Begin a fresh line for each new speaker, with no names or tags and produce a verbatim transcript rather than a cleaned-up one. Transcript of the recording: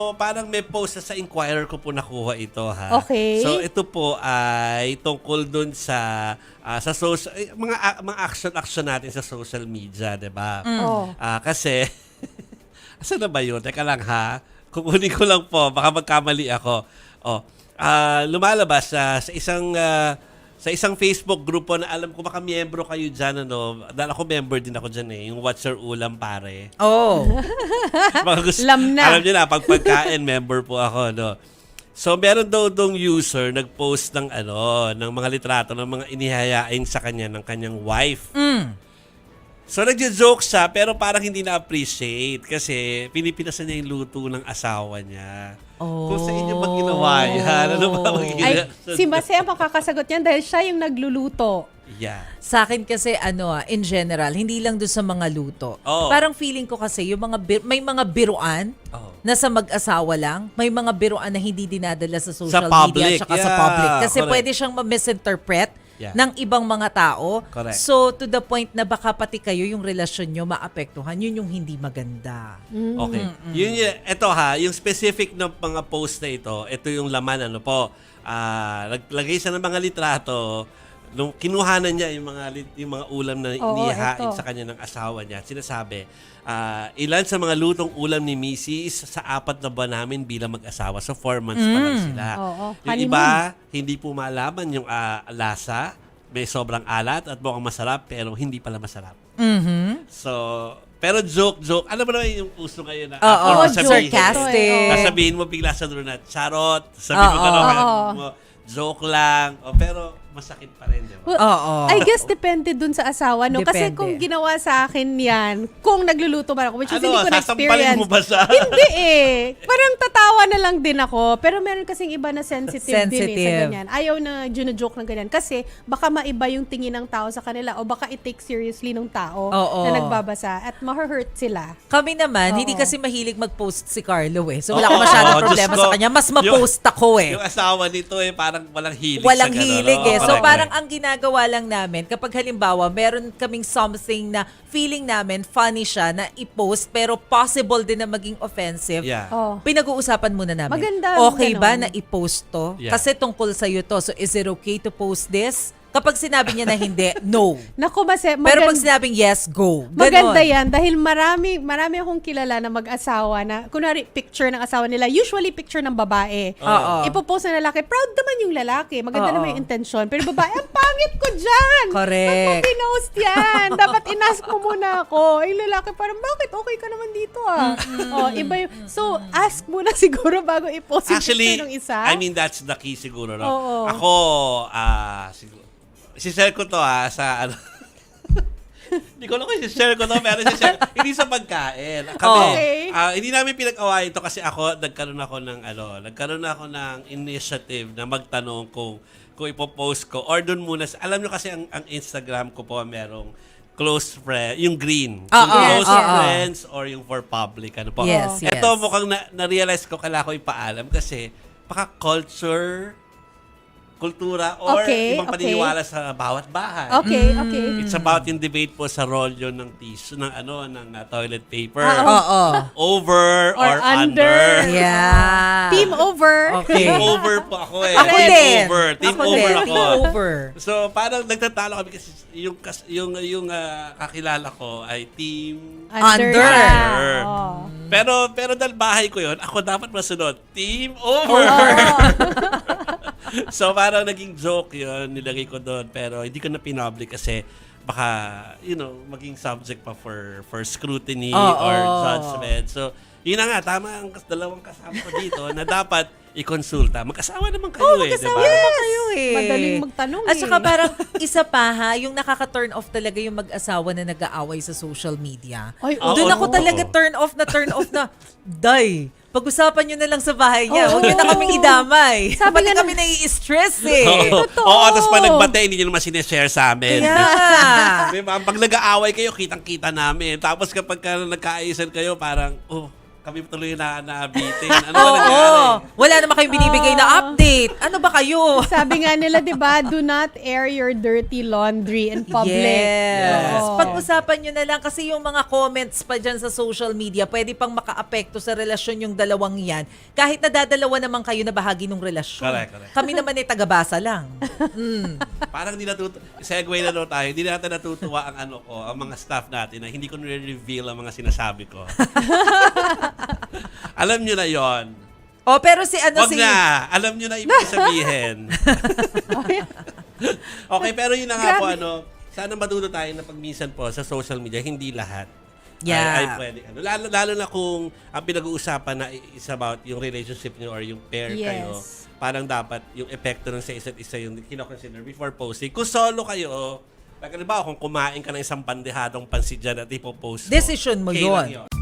So, parang may post na sa Inquirer ko po nakuha ito, ha.
Okay.
So ito po ay tungkol dun sa ah, sa social eh, mga a- mga action action natin sa social media, 'di ba?
Oh.
Ah, kasi asan na ba 'yun? Teka lang ha. Kukunin ko lang po, baka magkamali ako. Oh, ah, lumalabas sa sa isang ah, sa isang Facebook grupo na alam ko baka miyembro kayo diyan, ano. Dahil ako member din ako diyan eh, yung What's Your Ulam Pare.
Oh.
Mga gusto,
Lam na.
Alam niyo na, pag pagkain, member po ako, no? So, meron daw dong user nag-post ng ano, ng mga litrato ng mga inihayain sa kanya ng kanyang wife.
Mm.
So, nagjo-joke siya, pero parang hindi na-appreciate kasi pinipinasan niya yung luto ng asawa niya.
Oh.
Kung sa inyo bang ginawa yan? Ano ba
Ay,
magiging...
si Mase ang makakasagot niyan dahil siya yung nagluluto.
Yeah.
Sa akin kasi ano ah, in general, hindi lang doon sa mga luto.
Oo.
Parang feeling ko kasi yung mga bir- may mga biruan
Oo.
na sa mag-asawa lang, may mga biruan na hindi dinadala sa social
public,
media at sa
yeah,
public kasi
correct.
pwede siyang ma-misinterpret
Yeah.
ng ibang mga tao.
Correct.
So to the point na baka pati kayo yung relasyon nyo maapektuhan, yun yung hindi maganda.
Okay. Yun yun, ito ha, yung specific na mga post na ito, ito yung laman, ano po, ah, naglagay siya ng mga litrato, nung kinuhanan niya yung mga lit- yung mga ulam na
Oo,
inihain
ito.
sa kanya ng asawa niya. Sinasabi, ah, ilan sa mga lutong ulam ni Missus sa apat na buwan namin bilang mag-asawa. So, four months pa lang sila.
Oo,
Yung
honeymoon.
iba, hindi po malaman yung ah, lasa, may sobrang alat at mukhang masarap, pero hindi pala masarap.
Mhm.
So, pero joke-joke. Alam mo naman yung uso ngayon na
Oo,
after mo sabihin-
sarcastic.
Oo.
Sasabihin mo bigla sa dulo na charot. Sabihin mo
Oo.
gano'n,
Oo.
mo, joke lang. O, pero masakit pa rin, di ba?
Well,
Oo.
I guess depende dun sa asawa, no? Kasi
Depende.
kung ginawa sa akin yan, kung nagluluto man ako, which is
Ano,
hindi ko
sasampalin
na-experience.
mo ba siya?
Hindi eh. Parang tatawa na lang din ako. Pero meron kasing iba na sensitive, din eh sa
Sensitive.
ganyan. Ayaw na joke ng ganyan. Kasi baka maiba yung tingin ng tao sa kanila o baka i-take seriously ng tao
Oo.
na nagbabasa at ma-hurt sila.
Kami naman,
Oo.
hindi kasi mahilig mag-post si Carlo eh. So wala
Oo,
ko masyadong
Diyos
problema
ko.
sa kanya. Mas ma-post ako eh.
Yung asawa nito eh, parang walang hilig
Walang
sa ganun.
hilig
Oo,
eh. So
correct,
parang
correct.
ang ginagawa lang namin, kapag halimbawa, meron kaming something na feeling namin funny siya na i-post, pero possible din na maging offensive,
Yeah.
Oh.
pinag-uusapan muna namin.
Maganda,
Okay
ganon.
ba na i-post to?
Yeah.
Kasi tungkol sa'yo to. So is it okay to post this? Kapag sinabi niya na hindi, no.
Naku, Mase,
Pero pag
maganda-
sinabing yes, go. Ganon.
Maganda yan dahil marami marami akong kilala na mag-asawa na kunwari picture ng asawa nila, usually picture ng babae.
Oo.
Ipopost ng lalaki, proud naman yung lalaki. Maganda
Oo.
naman yung intention. Pero yung babae, ang pangit ko dyan!
Correct.
Ba't mo pinost yan? Dapat inask mo muna ako. Yung lalaki parang, bakit okay ka naman dito ah? Oh, iba yung, so, ask muna siguro bago i-post yung
Actually,
picture ng isa.
I mean, that's the key siguro. No?
Oo.
Ako, ah, siguro, si-share ko to ha, sa ano, hindi ko alam kung si-share ko to, pero si-share, hindi sa pagkain. Kami,
Okay.
ah, hindi namin pinag-awayan to kasi ako, nagkaroon ako ng, ano, nagkaroon ako ng initiative na magtanong kung, kung ipopost ko, or dun muna, sa- alam nyo kasi ang, ang Instagram ko po, merong close friend, yung green.
Oo,
Yung close
yes, yes.
friends or yung for public, ano po.
Yes, yes.
Ito, mukhang na, na-realize ko, kailangan ko ipaalam kasi baka culture, kultura, or
Okay,
ibang
okay.
paniniwala sa bawat bahay.
Okay, okay.
It's about yung debate po sa rolyo ng tissue, ng ano, ng uh, toilet paper.
Ah,
Oo.
Over or,
Or under.
under.
Yeah.
Team over.
Okay.
Team over po ako eh.
Ako
Team
din.
over. Team
Ako
over
din.
ako.
Team over.
So, parang nagtatalo kami kasi yung kas- yung yung ah, kakilala ko ay team
Under.
under.
Oh.
Pero pero dahil bahay ko 'yon, ako dapat masunod. Team over. So parang naging joke 'yon, nilagay ko doon pero hindi ko na pinoblic kasi baka you know, maging subject pa for for scrutiny
Oo.
or judgment. So yun na nga, tama ang kas- dalawang kasama ko dito na dapat i-consulta. Mag-asawa naman kayo
Oo,
eh,
mag-asawa
di ba?
naman
kayo eh.
Madaling magtanong
At
eh.
saka parang isa pa ha, yung nakaka-turn off talaga yung mag-asawa na nag-aaway sa social media.
Ay,
oo.
Doon ako
Oo.
talaga turn off na turn off na, day, pag-usapan nyo na lang sa bahay niya.
Oo.
Huwag nyo na kaming idamay.
Sabi
Pati
nga
kami nai-stress eh.
Oo,
Totoo.
Oo, tapos pag nagbate, hindi nyo naman sineshare sa amin.
Yeah.
Diba? Pag nag-aaway kayo, kitang-kita namin. Tapos kapag ka nagkaaisan kayo, parang, oh, kami tuloy na naabitin. Ano ba
Oo,
nangyari?
wala naman kayong binibigay na update. Ano ba kayo?
Sabi nga nila, di ba, do not air your dirty laundry in public.
Yes.
Oo.
Pag-usapan nyo na lang kasi yung mga comments pa dyan sa social media, pwede pang maka-apekto sa relasyon yung dalawang yan. Kahit nadadalawa naman kayo na bahagi ng relasyon.
Correct, correct.
Kami naman ay tagabasa lang. Mm.
Parang hindi natutu... Segue na daw tayo. Hindi natin natutuwa ang ano ko, ang mga staff natin na hindi ko nire-reveal ang mga sinasabi ko. Alam nyo na yon.
Oh, pero si ano
Wag
si...
na. Alam nyo na ibig sabihin. Okay, pero yun na nga po,
Grabe.
ano, sana matuto tayo na pag minsan po sa social media, hindi lahat
Yeah.
ay, ay pwede. Ano, lalo, lalo na kung ang pinag-uusapan na is about yung relationship nyo or yung pair
Yes.
kayo, parang dapat yung epekto ng sa isa't isa yung kinoconsider before posting. Kung solo kayo, like, halimbawa, kung kumain ka ng isang bandehadong pansit dyan at ipopost mo,
Decision mo
okay lang
yun.
yun.